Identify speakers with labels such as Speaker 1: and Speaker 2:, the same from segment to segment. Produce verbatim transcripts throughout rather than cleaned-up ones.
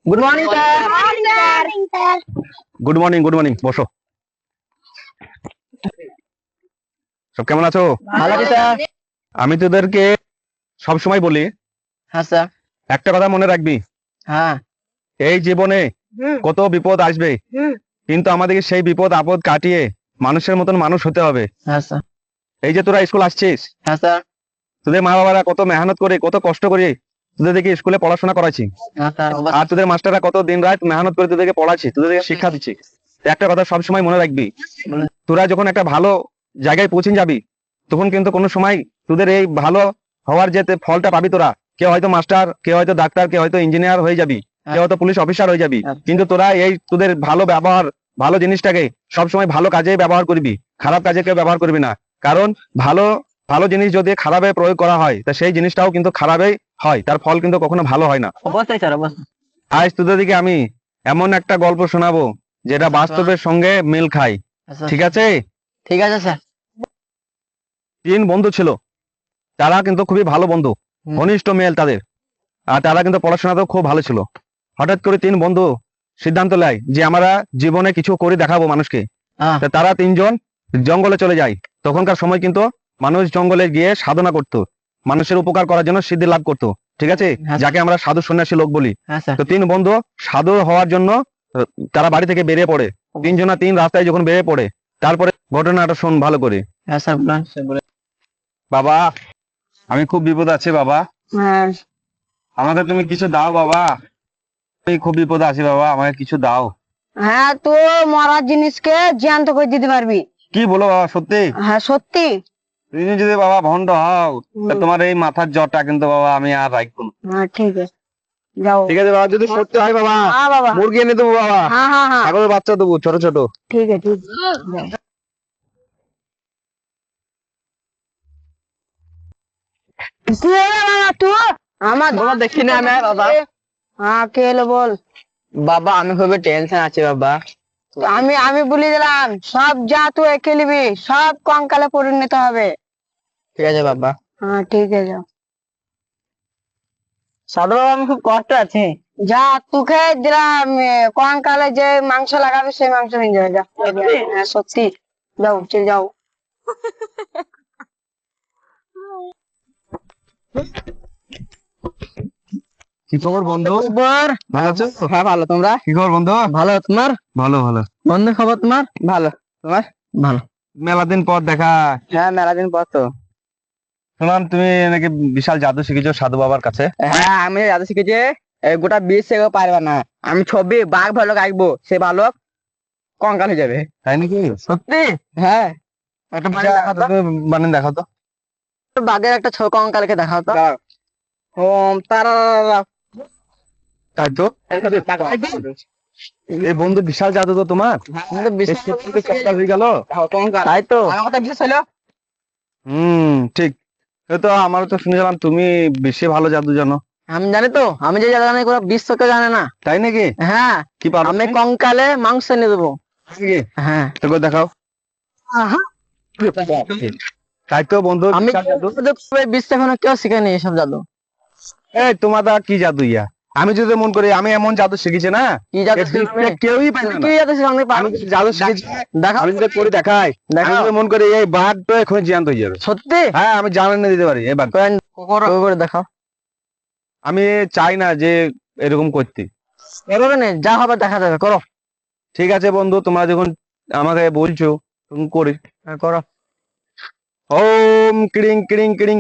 Speaker 1: Good morning sir.
Speaker 2: Good morning good morning বসো। সব কেমন আছো?
Speaker 1: ভালো আছি স্যার।
Speaker 2: আমি তোদেরকে সব সময় বলি
Speaker 1: হ্যাঁ স্যার।
Speaker 2: একটা কথা মনে রাখবি,
Speaker 1: হ্যাঁ
Speaker 2: এই জীবনে কত বিপদ আসবে, কিন্তু আমাদেরকে সেই বিপদ আপদ কাটিয়ে মানুষের মতন মানুষ হতে হবে।
Speaker 1: হ্যাঁ স্যার।
Speaker 2: এই যে তোরা স্কুল আসছিস,
Speaker 1: হ্যাঁ স্যার।
Speaker 2: তোদের মা বাবারা কত মেহনত করে কত কষ্ট করে তোদেরকে স্কুলে পড়াশোনা করাচ্ছি,
Speaker 1: হ্যাঁ স্যার।
Speaker 2: আর তোদের মাস্টাররা কত দিন রাত মেহনত করে তোদেরকে পড়াচ্ছি, তোদেরকে শিক্ষা দিচ্ছি। একটা কথা সবসময় মনে রাখবি, তোরা যখন একটা ভালো জায়গায় পৌঁছে যাবি তখন কিন্তু কোনো সময় তোদের এই ভালো হওয়ার যে ফলটা পাবি তোরা, কেউ হয়তো মাস্টার, কেউ হয়তো ডাক্তার, কেউ হয়তো ইঞ্জিনিয়ার হয়ে যাবি, কেউ হয়তো পুলিশ অফিসার হয়ে যাবি, কিন্তু তোরা এই তোদের ভালো ব্যবহার, ভালো জিনিসটাকে সবসময় ভালো কাজে ব্যবহার করবি, খারাপ কাজে কেউ ব্যবহার করবি না। কারণ ভালো ভালো জিনিস যদি খারাপে প্রয়োগ করা হয় তা সেই জিনিসটাও কিন্তু খারাপই হয়, তার ফল কিন্তু কখনো ভালো হয় না।
Speaker 1: অবশ্যই স্যার, অবশ্যই।
Speaker 2: আজ তোদেরকে আমি এমন একটা গল্প শোনাবো যেটা বাস্তবের সঙ্গে মিল খায়, ঠিক আছে?
Speaker 1: ঠিক আছে স্যার।
Speaker 2: তিন বন্ধু ছিল, তারা কিন্তু খুবই ভালো বন্ধু, ঘনিষ্ঠ মেল তাদের, আর তারা কিন্তু পড়াশোনাতেও খুব ভালো ছিল। হঠাৎ করে তিন বন্ধু সিদ্ধান্ত নেয় যে আমরা জীবনে কিছু করে দেখাবো মানুষকে। তা তারা তিনজন জঙ্গলে চলে যায়। তখনকার সময় কিন্তু মানুষ জঙ্গলে গিয়ে সাধনা করতো, মানুষের উপকার করার জন্য সিদ্ধি লাভ করতো, ঠিক আছে, যাকে আমরা সাধু সন্ন্যাসী লোক বলি। তো তিন বন্ধু সাধু হওয়ার জন্য তারা বাড়ি থেকে বেরিয়ে পড়ে। তিনজনা তিন রাস্তায় যখন বেরিয়ে পড়ে, তারপরে ঘটনাটা শোন ভালো করে।
Speaker 1: হ্যাঁ স্যার,
Speaker 2: বাবা, আমি খুব বিপদ আছে বাবা,
Speaker 1: হ্যাঁ
Speaker 2: আমাকে তুমি কিছু দাও বাবা, আমি খুব বিপদে আছি বাবা, আমাকে কিছু দাও।
Speaker 3: হ্যাঁ, তো মরার জিনিসকে জ্যান্ত করে দিতে পারবি?
Speaker 2: কি বলো বাবা, সত্যি?
Speaker 3: হ্যাঁ সত্যি।
Speaker 2: তুমি যদি বাবা ভণ্ড হও তা তোমার এই মাথার জ্বরটা কিন্তু বাবা আমি আর রাখবো না।
Speaker 3: হ্যাঁ ঠিক আছে, যাও।
Speaker 2: ঠিক আছে বাবা, যদি সত্যি হয় বাবা,
Speaker 3: হ্যাঁ বাবা,
Speaker 2: মুরগি এনে দেবো বাবা,
Speaker 3: হ্যাঁ হ্যাঁ হ্যাঁ,
Speaker 2: ছাগলের বাচ্চা দেবো ছোট ছোট।
Speaker 3: ঠিক আছে ঠিক আছে, যাও। কি হলো বাবা তুই? আমার
Speaker 1: বাবা দেখি না আমি বাবা।
Speaker 3: হ্যাঁ কে এলো বল?
Speaker 1: বাবা আমি খুবই টেনশন আছে বাবা।
Speaker 3: আমি আমি বলে দিলাম, সব যা তুই খেলবি সব কঙ্কালে পরিণত হবে।
Speaker 1: ঠিক আছে বাবা।
Speaker 3: হ্যাঁ ঠিক আছে, যাও।
Speaker 1: সাধু বাবা আমি খুব কষ্ট আছে।
Speaker 3: যা তোকে দিলাম, কঙ্কালে যে মাংস লাগাবে সেই মাংস নিয়ে যাবে, যা। হ্যাঁ সত্যি, যাও চলে যাও।
Speaker 2: কি খবর বন্ধু?
Speaker 1: খবর
Speaker 2: ভালো আছো?
Speaker 1: হ্যাঁ ভালো। তোমরা?
Speaker 2: কি খবর বন্ধু?
Speaker 1: ভালো। তোমার?
Speaker 2: ভালো ভালো।
Speaker 1: বন্ধু খবর তোমার? ভালো। তোমার? ভালো।
Speaker 2: মেলা দিন পর দেখা।
Speaker 1: হ্যাঁ মেলা দিন পর তো।
Speaker 2: শুনলাম তুমি নাকি বিশাল জাদু শিখেছো সাধু বাবার কাছে।
Speaker 1: হ্যাঁ আমি জাদু শিখেছি, এই গোটা বিশ সেও পারবে না। আমি ছবি বাঘ ভালক আঁকবো, সে ভালক কঙ্কাল হয়ে যাবে।
Speaker 2: তাই নাকি?
Speaker 1: সত্যি? হ্যাঁ।
Speaker 2: একটা বানিয়ে দেখাও তো, তুমি বানিয়ে দেখাও তো।
Speaker 1: বাঘের একটা ছ কঙ্কালকে দেখাও তো। ওম তারা।
Speaker 2: তাই তো, এই বন্ধু বিশাল জাদু তো তোমার, হয়ে গেল।
Speaker 1: তাই তো আমার কথা বিশ্বাস হলো।
Speaker 2: হম ঠিক। তো আমার তো শুনেছিলাম তুমি বেশি ভালো জাদু জানো।
Speaker 1: আমি জানি তো, আমি যে জাদু জানি পুরো বিশ্বকে জানে না।
Speaker 2: তাই নাকি?
Speaker 1: হ্যাঁ।
Speaker 2: কি পারো?
Speaker 1: আমি কঙ্কালে মাংস এনে দেবো। হ্যাঁ
Speaker 2: তোকে দেখাও। তাই তো বন্ধু,
Speaker 1: আমি বিশ্ব এখনো কেউ শিখেনি এসব জাদু।
Speaker 2: এই তোমার দা কি জাদু ইয়া, আমি যদি মন করি আমি এমন জাদু শিখেছি না,
Speaker 1: কি জাদু
Speaker 2: এর বিস্তার কেউই পারে না।
Speaker 1: কি জাদু শিখে আমি
Speaker 2: আমি যদি জাদু শিখেছি,
Speaker 1: দেখাও।
Speaker 2: আমি যদি করে দেখাই, আমি
Speaker 1: দেখাও।
Speaker 2: যদি মন করি এই বাঘ তো এখন জ্যান্ত হয়ে যাবে।
Speaker 1: সত্যি?
Speaker 2: হ্যাঁ আমি জান এনে দিতে পারি এই বাঘ।
Speaker 1: করে দেখাও।
Speaker 2: আমি চাই না যে এরকম করতে।
Speaker 1: এভাবে নেই, যা হবে দেখা যাবে, করো।
Speaker 2: ঠিক আছে বন্ধু, তোমরা যখন আমাকে বলছো তখন করি।
Speaker 1: হ্যাঁ, করো।
Speaker 2: ওম ক্রিং ক্রিং ক্রিং।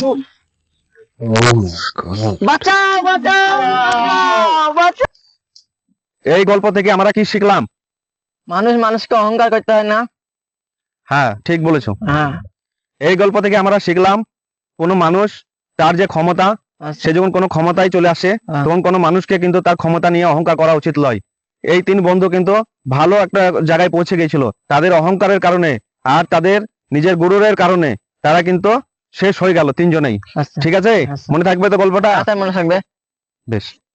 Speaker 1: বাঁচাও বাঁচাও বাঁচাও।
Speaker 2: এই গল্প থেকে আমরা কি শিখলাম?
Speaker 1: মানুষ মানুষকে অহংকার করতে হয় না।
Speaker 2: হ্যাঁ ঠিক বলেছো।
Speaker 1: হ্যাঁ।
Speaker 2: এই গল্প থেকে আমরা শিখলাম, কোনো মানুষ তার যে ক্ষমতা, সে যখন কোনো ক্ষমতায় চলে আসে তখন কোনো মানুষকে কিন্তু তার ক্ষমতা নিয়ে অহংকার করা উচিত নয়। এই তিন বন্ধু কিন্তু ভালো একটা জায়গায় পৌঁছে গেছিল তাদের অহংকারের কারণে, আর তাদের নিজের গুরুরের কারণে তারা কিন্তু শেষ হয়ে গেল তিনজনেই। ঠিক আছে, মনে থাকবে তো গল্পটা?
Speaker 1: মনে থাকবে।
Speaker 2: বেশ।